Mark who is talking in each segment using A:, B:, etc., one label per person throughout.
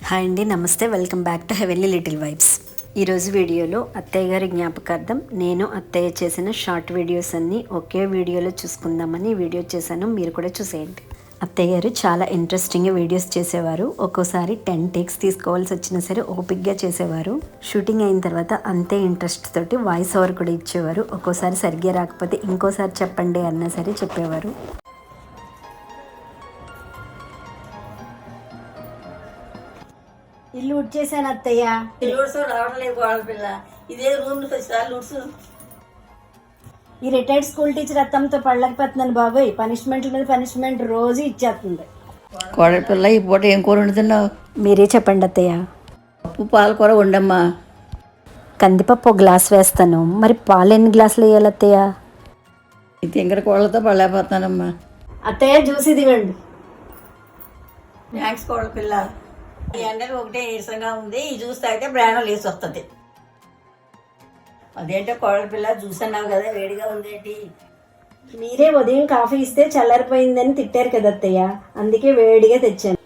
A: Hi అండి, నమస్తే. Welcome back to heavenly little vibes. ఈరోజు వీడియోలో అత్తయ్య గారి జ్ఞాపకార్థం నేను అత్తయ్య చేసిన షార్ట్ వీడియోస్ అన్నీ ఒకే వీడియోలో చూసుకుందామని వీడియో చేశాను. మీరు కూడా చూసేయండి. అత్తయ్య గారు చాలా ఇంట్రెస్టింగ్గా వీడియోస్ చేసేవారు. ఒక్కోసారి 10 టేక్స్ తీసుకోవాల్సి వచ్చినా సరే ఓపిక్గా చేసేవారు. షూటింగ్ అయిన తర్వాత అంతే ఇంట్రెస్ట్ తోటి వాయిస్ ఓవర్ కూడా ఇచ్చేవారు. ఒక్కోసారి సరిగ్గా రాకపోతే ఇంకోసారి చెప్పండి అన్నా సరే చెప్పేవారు.
B: ఇల్లు ఉడ్చేసాను అత్తయ్య.
C: లూడ్స్ రావడం లేదు కోడల పిల్ల. ఇదే రూమ్ లూడ్స్.
B: ఈ రిటైర్డ్ స్కూల్ టీచర్ అత్తంతో పళ్ళకపోతున్నాను బాబోయ్. పనిష్మెంట్ల మీద పనిష్మెంట్ రోజు ఇచ్చేస్తుంది.
C: కోడల పిల్ల ఈ పూట ఏం కూర వండుతున్నావు?
A: మీరే చెప్పండి అత్తయ్య.
C: పప్పు పాలకూర వండమ్మా.
A: కందిపప్పు ఒక గ్లాస్ వేస్తాను. మరి పాలు ఎన్ని గ్లాసులు వేయాలి అత్తయ్య?
C: ఈ తింగర కోళ్ళతో పడలేకపోతానమ్మా.
B: అత్తయ్య జ్యూస్ ఇదివ్వండి.
C: థ్యాంక్స్ కోడల పిల్ల. ఈ ఎండలు ఒకటే నీరసంగా ఉంది. ఈ జ్యూస్ తాగితే ప్రాణం లేసి వస్తుంది. అదేంటో కోడల పిల్ల జ్యూస్ అన్నావు కదా, వేడిగా ఉందేంటి?
B: మీరే ఉదయం కాఫీ ఇస్తే చల్లారిపోయిందని తిట్టారు కదా అత్తయ్య, అందుకే వేడిగా తెచ్చాను.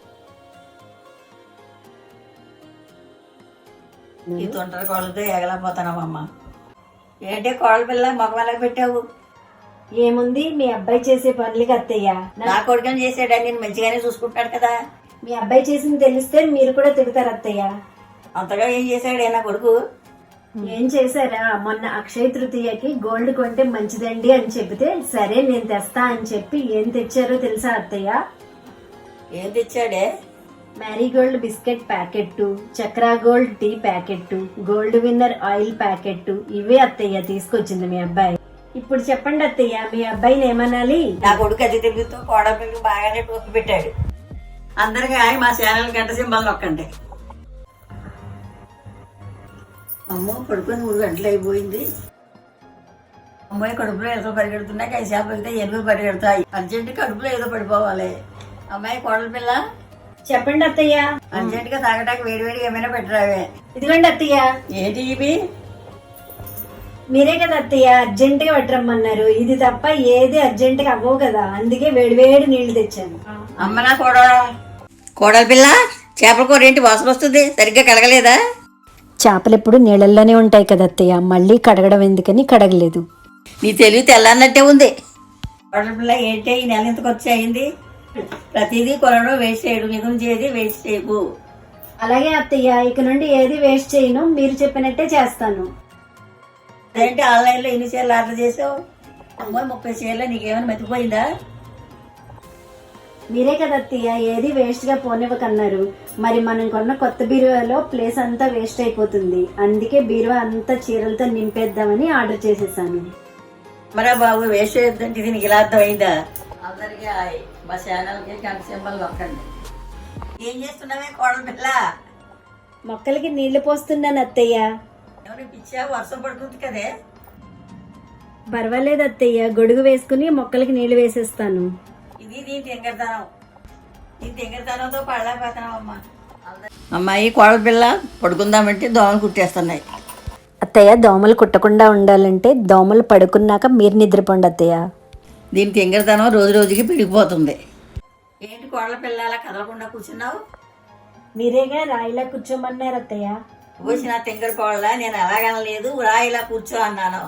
C: ఈ తొంటరి కోళ్ళతో ఎగలేకపోతున్నావమ్మా. ఏంటి కోడల పిల్ల మొగమలా పెట్టావు?
B: ఏముంది, మీ అబ్బాయి చేసే పనులకి అత్తయ్య.
C: నా కొడుకుని చేసాడని నేను మంచిగానే చూసుకుంటాడు కదా.
B: మీ అబ్బాయి చేసింది తెలిస్తే మీరు కూడా తిడతారు అత్తయ్య.
C: అంతగా ఏం చేశాడే నా కొడుకు?
B: ఏం చేశారా, మొన్న అక్షయ తృతీయకి గోల్డ్ కొంటే మంచిదండి అని చెబితే సరే నేను తెస్తా అని చెప్పి ఏం తెచ్చారో తెలుసా అత్తయ్య?
C: ఏం తెచ్చాడే?
B: Marigold biscuit packet, Chakra Gold tea packet, Gold Winner oil packet, ఇవే అత్తయ్య తీసుకొచ్చింది మీ అబ్బాయి. ఇప్పుడు చెప్పండి అత్తయ్య, మీ అబ్బాయిని ఏమనాలి?
C: నా కొడుకు అతి తెలుగుతో కోడపిల్లకి బాగానే టోపి పెట్టాడు. అందరికీ మా ఛానల్ గంట సింబల్ నొక్కండి. అమ్మో పడుకొని 3 గంటలు అయిపోయింది. అమ్మాయి కడుపులో ఏదో పరిగెడుతున్నాయి. కైసేపు వెళ్తే ఎనుగు పరిగెడతాయి. అర్జెంట్ కడుపులో ఏదో పడిపోవాలి. అమ్మాయి కోడల పిల్ల
B: చెప్పండి అత్తయ్య.
C: అర్జెంట్ గా తాగటానికి వేడివేడిగా ఏమైనా పెట్టరావే.
B: ఇదిగోండి అత్తయ్య.
C: ఏంటి ఇవి?
B: మీరే కదా అత్తయ్య అర్జెంట్ గా పెట్టరమ్మన్నారు. ఇది తప్ప ఏది అర్జెంట్ గా అవ్వవు కదా, అందుకే వేడివేడి నీళ్లు తెచ్చాను.
C: అమ్మ నా కోడల పిల్ల, చేపల కూర ఏంటి వాసన వస్తుంది? సరిగ్గా కడగలేదా?
A: చేపలు ఎప్పుడు నీళ్ళల్లోనే ఉంటాయి కదా అత్తయ్య, మళ్ళీ కడగడం ఎందుకని కడగలేదు.
C: నీ తెలివి తెల్లన్నట్టే ఉంది. కోడల పిల్ల ఏంటి ఈ నెల ఇంతకు వచ్చి అయింది? ప్రతిదీ కొనడం వేస్ట్ చేయడు, మిగుంచేది వేస్ట్ చేయకు.
B: అలాగే అత్తయ్య, ఇక నుండి ఏది వేస్ట్ చేయను, మీరు చెప్పినట్టే చేస్తాను.
C: ఏంటి ఆన్లైన్ లో ఎన్ని చీరలు ఆర్డర్ చేసావు? అమ్మో 30 చీరలు. నీకేమైనా మతిపోయిందా?
B: మీరే కదా అత్తయ్య ఏది వేస్ట్ గా పోనివ్వకన్నారు. మరి మనం కొన్న కొత్త బీరువాలో ప్లేస్ అంతా వేస్ట్ అయిపోతుంది, అందుకే బీరువా అంతా చీరలతో నింపేద్దామని ఆర్డర్ చేసేసాను.
C: మరా బాబు వేస్ట్ చేయొద్దంటే ఇది నీకు ఇలా అర్థమైందా? అందరికీ మా ఛానల్ కి గంట సింబల్ నొక్కండి. ఏం చేస్తున్నావే కోడల పిల్ల?
B: మొక్కలకి నీళ్లు పోస్తున్నాను అత్తయ్య.
C: ఎవరి పిచ్చా? వర్షం పడుతుంది కదే.
B: పర్వాలేదు అత్తయ్య, గొడుగు వేసుకుని మొక్కలకి నీళ్లు వేసేస్తాను.
C: ఇది దీని తింగరతనంతో పడలేకపోతున్నావు అమ్మా. అమ్మాయి కోడల పిల్ల పడుకుందామంటే దోమలు కుట్టేస్తున్నాయి.
A: అత్తయ్య, దోమలు కుట్టకుండా ఉండాలంటే దోమలు పడుకున్నాక మీరు నిద్రపోండి అత్తయ్య.
C: దీని తింగరతనం రోజు రోజుకి పెరిగిపోతుంది. ఏంటి కోడల పిల్ల అలా కదలకుండా కూర్చున్నావు?
B: మీరేగా రాయిలా కూర్చోమన్నారు అత్తయ్య.
C: వచ్చిన తింగర కోడల, నేను అలాగనలేదు, రాయిలా కూర్చో అన్నాను.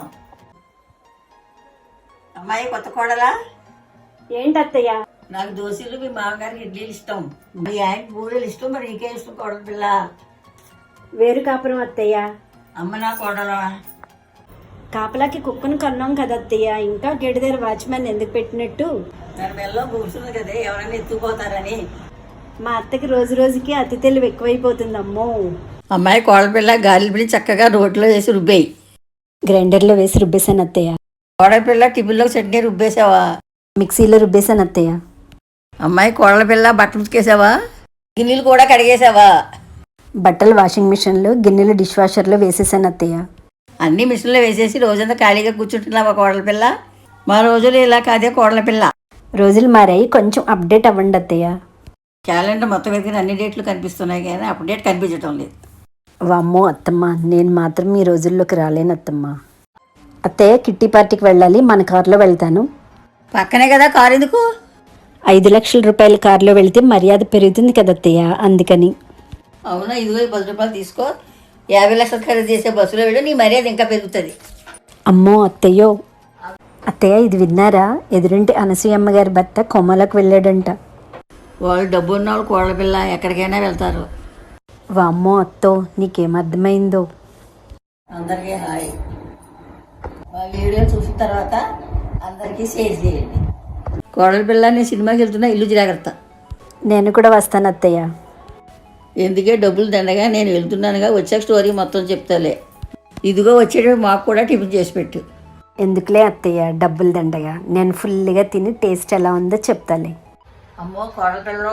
C: అమ్మాయి కొత్త కోడలా?
B: ఏంటి అత్తయ్య?
C: నాకు దోశలు, మీ మామగారికి ఇడ్లీలు ఇష్టం, మీ ఆయనకి బూరెలు ఇష్టం, మరి నీకే ఇష్టం కోడల పిల్ల?
B: వేరు కాపురం అత్తయ్య.
C: అమ్మ నా కోడలా.
B: కాపలాకి కుక్కను కన్నాం కదా అత్తయ్య, ఇంకా గేటు దగ్గర వాచ్మెన్ ఎందుకు పెట్టినట్టు?
C: దాని మెల్లో కూర్చుంది కదే, ఎవరైనా ఎత్తుకుపోతారని.
B: మా అత్తకి రోజు రోజుకి అతి తెలివి ఎక్కువైపోతుంది అమ్మో.
C: అమ్మాయి కోడల పిల్ల గాలి పిల్లి చక్కగా రోట్లో వేసి రుబ్బేయి.
A: గ్రైండర్లో వేసి రుబ్బేశాను అత్తయ్య.
C: కోడల పిల్ల టిఫిన్లో చట్నీ రుబ్బేసావా?
A: మిక్సీలో రుబ్బేశాను అత్తయ్య.
C: అమ్మాయి కోడల పిల్ల బట్టలు ఉతికేసావా? గిన్నెలు కూడా కడిగేసావా?
A: బట్టలు వాషింగ్ మిషన్లో, గిన్నెలు డిష్ వాషర్లో వేసేసాను అత్తయ్య.
C: అన్ని మిషన్లో వేసేసి రోజంతా ఖాళీగా కూర్చుంటున్నావా కోడల పిల్ల? మా రోజులు ఇలా కాదే కోడల పిల్ల.
A: రోజులు మారాయి, కొంచెం అప్డేట్ అవ్వండి అత్తయ్య.
C: క్యాలెండర్ మొత్తం ఎదిగిన అన్ని డేట్లు కనిపిస్తున్నాయి కానీ అప్డేట్ కనిపించడం లేదు.
A: వామ్మో అత్తమ్మ, నేను మాత్రం ఈ రోజుల్లోకి రాలేను అత్తమ్మ. అత్తయ్య, కిట్టి పార్టీకి వెళ్ళాలి, మన కారులో వెళ్తాను.
C: పక్కనే కదా కారు ఎందుకు?
A: 5 లక్షల రూపాయల కారులో వెళితే మర్యాద పెరుగుతుంది కదా అత్తయ్య, అందుకని.
C: అవునా, ఇదిగో ఈ 10 రూపాయలు తీసుకో. 50 లక్షలు ఖరీదు చేసే బస్సులో వెళ్ళి నీ మర్యాద ఇంకా పెరుగుతుంది.
A: అమ్మో అత్తయ్యో, అత్తయ్య ఇది విన్నారా? ఎదురింటి అనసూయమ్మ గారి భర్త కొమ్మలకు వెళ్ళాడంట.
C: వాళ్ళు డబ్బు ఉన్న వాళ్ళు కోడల పిల్ల ఎక్కడికైనా వెళ్తారు.
A: వామ్మో అత్తో, నీకేం అర్థమైందో.
C: అందరికీ హాయ్. మా వీడియో చూసిన తర్వాత అందరికీ షేర్ చేయండి. కోడల పిల్ల నేను సినిమాకి వెళ్తున్నా, ఇల్లు జాగ్రత్త.
A: నేను కూడా వస్తాను అత్తయ్య.
C: ఎందుకే డబ్బులు దండగా, నేను వెళ్తున్నానుగా, వచ్చాక స్టోరీ మొత్తం చెప్తాలే. ఇదిగో వచ్చేటప్పుడు మాకు కూడా టిఫిన్ చేసి పెట్టు.
A: ఎందుకులే అత్తయ్య డబ్బులు దండగా, నేను ఫుల్గా తిని టేస్ట్ ఎలా ఉందో చెప్తాలే.
C: అమ్మో కోడల పిల్ల,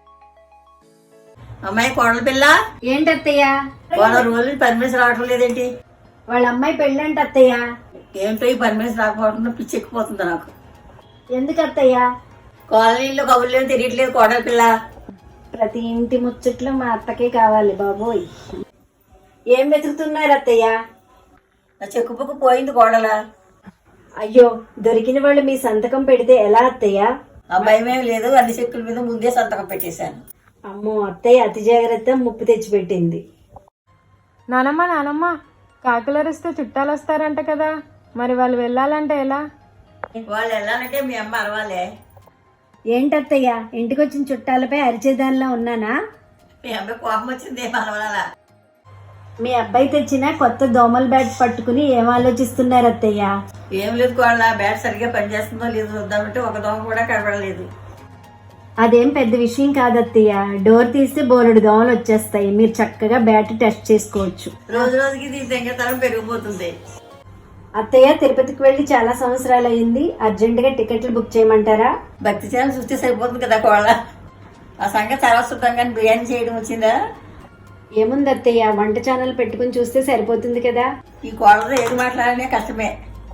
C: అమ్మాయి కోడల పిల్ల,
B: ఏంటత్తయ్య?
C: వాళ్ళ రోజులు పర్మిషన్ రావటం లేదేంటి?
B: వాళ్ళ అమ్మాయి పెళ్ళంట అత్తయ్య.
C: ఏంటో ఈ పర్మిషన్ రాకపోవడం పిచ్చి ఎక్కిపోతుంది నాకు.
B: ఎందుకు అత్తయ్య?
C: కాలనీలో కబుర్లు తెలియట్లేదు కోడల పిల్ల.
B: ప్రతి ఇంటి ముచ్చట్లు మా అత్తకే కావాలి బాబోయ్. ఏం వెతుకుతున్నారు అత్తయ్య?
C: నా చెక్కు బుక్కు పోయింది కోడల.
B: అయ్యో, దొరికిన వాళ్ళు మీ సంతకం పెడితే ఎలా అత్తయ్య?
C: ఆ భయమేం లేదు, అన్ని చెక్కుల మీద ముందే సంతకం పెట్టేశాను.
B: అమ్మో అత్తయ్య అతి జాగ్రత్త, ముప్పు తెచ్చిపెట్టింది.
D: నానమ్మ కాకులరిస్తే చుట్టాలు వస్తారంట కదా, మరి వాళ్ళు వెళ్ళాలంటే ఎలా?
C: వాళ్ళు వెళ్ళాలంటే మీ అమ్మ అరవాలే.
B: ఏంటత్తయ్య, ఇంటికొచ్చిన చుట్టాలపై అరిచేదానిలా ఉన్నానా?
C: మీ అమ్మ కోపం వచ్చింది, ఏం అరవాలా?
B: మీ అబ్బాయి తెచ్చిన కొత్త దోమల బ్యాట్ పట్టుకుని ఏం ఆలోచిస్తున్నారు అత్తయ్య?
C: ఏం లేదు కోళ్ళ, బ్యాట్ సరిగ్గా పనిచేస్తుందో లేదో చూద్దామంటే ఒక దోమ కూడా కనబడలేదు.
B: అదేం పెద్ద విషయం కాదత్తయ్య, డోర్ తీస్తే బోలెడు దోమలు వచ్చేస్తాయి. మీరు చక్కగా బ్యాట్ టెస్ట్ చేసుకోవచ్చు.
C: రోజు రోజుకి దీని దెంగతనం పెరిగిపోతుంది.
B: అత్తయ్య తిరుపతికి వెళ్ళి చాలా సంవత్సరాలు అయింది, అర్జెంటుగా టికెట్లు బుక్ చేయమంటారా?
C: భక్తి ఛానల్ చూస్తే సరిపోతుంది కదా కోళ్ళ. ఆ సంగతి తర్వాత చూద్దాం, కానీ బిర్యానీ చేయడం వచ్చిందా?
B: ఏముంది అత్తయ్య, వంట ఛానల్ పెట్టుకుని చూస్తే సరిపోతుంది కదా.
C: ఈ కోళ్ళతో ఏది మాట్లాడనే కష్టమే.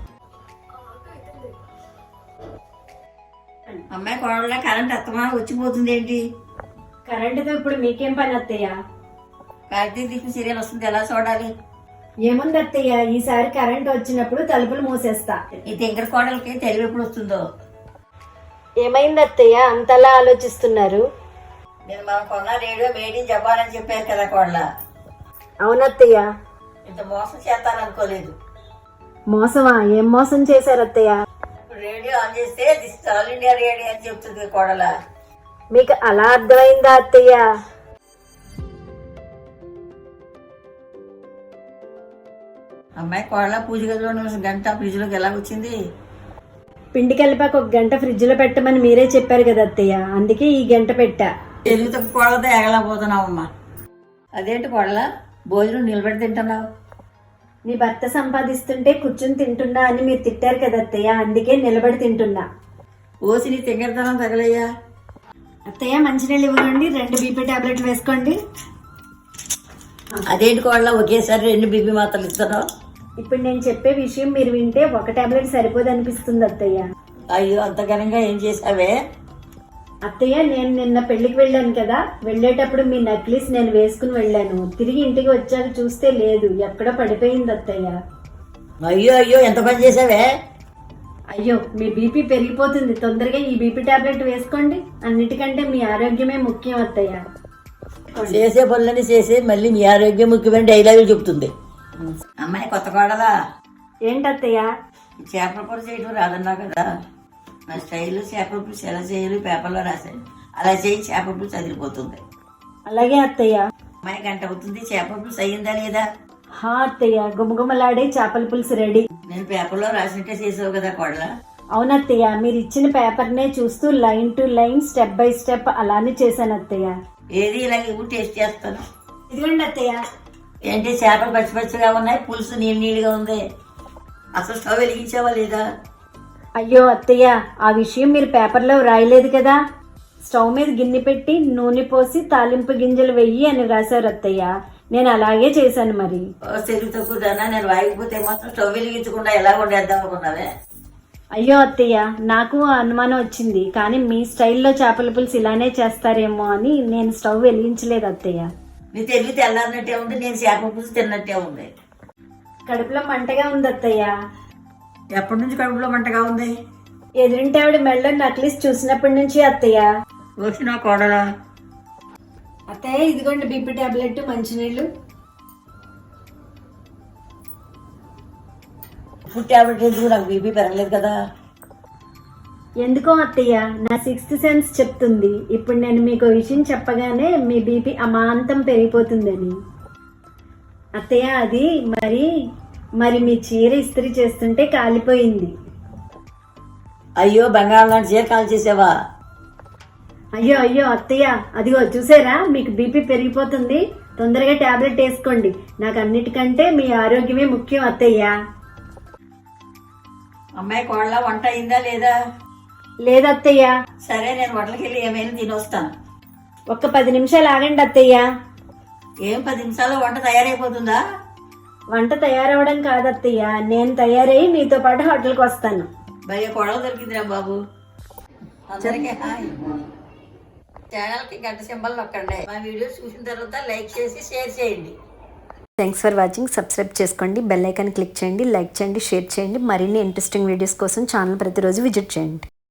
C: అమ్మాయి కోడల కరెంట్ అత్తమా వచ్చిపోతుంది ఏంటి?
B: కరెంటుతో ఇప్పుడు మీకేం పని అత్తయ్య?
C: కార్తీక దీపం సీరియల్ వస్తుంది, ఎలా చూడాలి?
B: ఏముంది అత్తయ్య, ఈసారి కరెంట్ వచ్చినప్పుడు తలుపులు మూసేస్తా.
C: ఈ తింకర కోడలకి తెలివి ఎప్పుడు వస్తుందో.
B: ఏమైంది అత్తయ్య అంతలా ఆలోచిస్తున్నారు?
C: నేను మన కొన్న రేడియో మేడ్ ఇన్ జపాన్ అని చెప్పారు కదా కోడల.
B: అవునత్తయ్య.
C: ఇంత మోసం చేస్తాననుకోలేదు.
B: మోసమా? ఏం మోసం చేశారు అత్తయ్య?
C: ఇప్పుడు రేడియో ఆన్ చేస్తే దిస్ ఆల్ ఇండియా రేడియో అని చెప్తుంది కోడల.
B: మీకు అలా అర్థమైందా అత్తయ్య?
C: అమ్మాయి కోడల పూజ గదిలో ఉన్న గంట ఫ్రిడ్జ్ లోకి ఎలా వచ్చింది?
B: పిండి కలిపాక ఒక గంట ఫ్రిడ్జ్ లో పెట్టమని మీరే చెప్పారు కదా అత్తయ్య, అందుకే ఈ గంట పెట్టా.
C: తెలుగు తక్కువ కోడలతో ఎగలేకపోతున్నావమ్మా. అదేంటి కోడల, భోజనం నిలబెట్టి తింటున్నావు?
B: నీ భర్త సంపాదిస్తుంటే కూర్చుని తింటున్నా అని మీరు తిట్టారు కదా అత్తయ్య, అందుకే నిలబడి తింటున్నా.
C: ఓసి నీ తింగరతనం తగలయ్యా.
B: అత్తయ్య మంచినీళ్ళు ఇవ్వండి, 2 బీపీ టాబ్లెట్లు వేసుకోండి.
C: అదేంటి కోడల ఒకేసారి 2 బీపీ మాత్రలు ఇస్తున్నావు?
B: ఇప్పుడు నేను చెప్పే విషయం మీరు వింటే ఒక టాబ్లెట్ సరిపోదు అనిపిస్తుంది అత్తయ్య.
C: అయ్యో, అంత ఘనంగా ఏం చేసావే?
B: అత్తయ్య నేను నిన్న పెళ్లికి వెళ్ళాను కదా, వెళ్ళేటప్పుడు మీ నెక్లెస్ నేను వేసుకుని వెళ్ళాను. తిరిగి ఇంటికి వచ్చాక చూస్తే లేదు, ఎక్కడో పడిపోయింది అత్తయ్య.
C: అయ్యో అయ్యో, ఎంత పని చేసావే?
B: అయ్యో, మీ బీపీ పెరిగిపోతుంది, తొందరగా ఈ బీపీ టాబ్లెట్ వేసుకోండి. అన్నిటికంటే మీ ఆరోగ్యమే ముఖ్యం అత్తయ్య.
C: చేసే పనులన్నీ చేసి మళ్ళీ మీ ఆరోగ్యం ముఖ్యమైన డైలాగులు చెప్తుంది. అమ్మాయి కొత్త కోడలా,
B: ఏంటత్తయ్య?
C: చేపల కూర చేయడం రాదన్నావు కదా, నా స్టైల్ చేపల పులుసు ఎలా చేయాలి పేపర్లో రాశాను, అలా చేయి, చేపల పులుసు అదిరిపోతుంది.
B: అలాగే అత్తయ్య.
C: అమ్మాయి గంట అవుతుంది, చేపల పులుసు అయ్యిందా లేదా?
B: హా అత్తయ్య, గుమగుమలాడే చేపల పులుసు రెడీ.
C: నేను పేపర్లో రాసినట్టే చేసావు కదా కోడల.
B: అవునత్తయ్య, మీరు ఇచ్చిన పేపర్నే చూస్తూ line to line step by step అలానే చేశాను అత్తయ్య.
C: ఏది ఇలాగ ఇవ్వు, టేస్ట్ చేస్తాను.
B: ఇదిగోండి అత్తయ్య.
C: ఏంటి చేపలు పచ్చి పచ్చిగా ఉన్నాయి, పులుసు నీళ్ళు నీళ్ళుగా ఉంది. అసలు స్టవ్ వెలిగించావా లేదా?
B: అయ్యో అత్తయ్య, ఆ విషయం మీరు పేపర్లో రాయలేదు కదా. స్టవ్ మీద గిన్నె పెట్టి నూనె పోసి తాలింపు గింజలు వెయ్యి అని రాశారు అత్తయ్య. నేను అలాగే చేశాను మరి.
C: తెలుగు తక్కువ దానా, నేను వాయికపోతే మాత్రం స్టవ్ వెలిగించకుండా ఎలా వండేద్దాం అనుకున్నావే?
B: అయ్యో అత్తయ్య, నాకు అనుమానం వచ్చింది, కానీ మీ స్టైల్లో చేపల పులుసు ఇలానే చేస్తారేమో అని నేను స్టవ్ వెలిగించలేదు అత్తయ్య.
C: నీ తెలివి తెల్లారినట్టే ఉంది, నేను చేపల పులుసు తిన్నట్టే ఉంది.
B: కడుపులో మంటగా ఉంది అత్తయ్య.
C: ఎప్పటి నుంచి కడుపులో మంటగా ఉంది?
B: ఎదురింటి ఆవిడ మెళ్ళ నెక్లెస్ చూసినప్పటి నుంచి అత్తయ్య.
C: వచ్చిన కోడలా,
B: అత్తయ్య ఇదిగోండి బీపీ టాబ్లెట్ మంచినీళ్ళు.
C: ఫుడ్ ట్యాబ్లెట్ ఎందుకు? నాకు బీపీ పెరగలేదు కదా.
B: ఎందుకో అత్తయ్య నా సిక్స్త్ సెన్స్ చెప్తుంది ఇప్పుడు నేను మీకు విషయం చెప్పగానే మీ బీపీ అమాంతం పెరిగిపోతుందని. అత్తయ్య అది మరి మీ చీర ఇస్త్రీ చేస్తుంటే కాలిపోయింది.
C: అయ్యో బంగారం లాంటి చీర కాల్ చేసావా?
B: అయ్యో అయ్యో అత్తయ్య, అదిగో చూసారా మీకు బీపీ పెరిగిపోతుంది, తొందరగా టాబ్లెట్ వేసుకోండి. నాకు అన్నిటికంటే మీ ఆరోగ్యమే ముఖ్యం అత్తయ్య.
C: అమ్మాయి కోళ్ళ వంట అయిందా లేదా?
B: లేదత్తయ్య.
C: సరే నేను హోటల్కి వెళ్ళి ఏమైనా తినొస్తాను.
B: ఒక్క 10 నిమిషాలు ఆగండి అత్తయ్య.
C: ఏం 10 నిమిషాల్లో వంట తయారైపోతుందా?
B: వంట తయారవడం కాదత్తయ్య, నేను తయారై మీతో పాటు హోటల్కి వస్తాను.
C: భయ కొడవ దొరికిందిరా బాబు. అందరికీ హాయ్. ఛానల్కి గంట సింబల్ నొక్కండి. మా వీడియోస్ చూసిన తర్వాత లైక్ చేసి షేర్ చేయండి.
A: Thanks for watching. సబ్స్క్రైబ్ చేసుకోండి, బెల్ ఐకాన్ క్లిక్ చేయండి, లైక్ చేయండి, షేర్ చేయండి. మరిన్ని ఇంట్రెస్టింగ్ వీడియోస్ కోసం ఛానల్ ప్రతిరోజు విజిట్ చేయండి.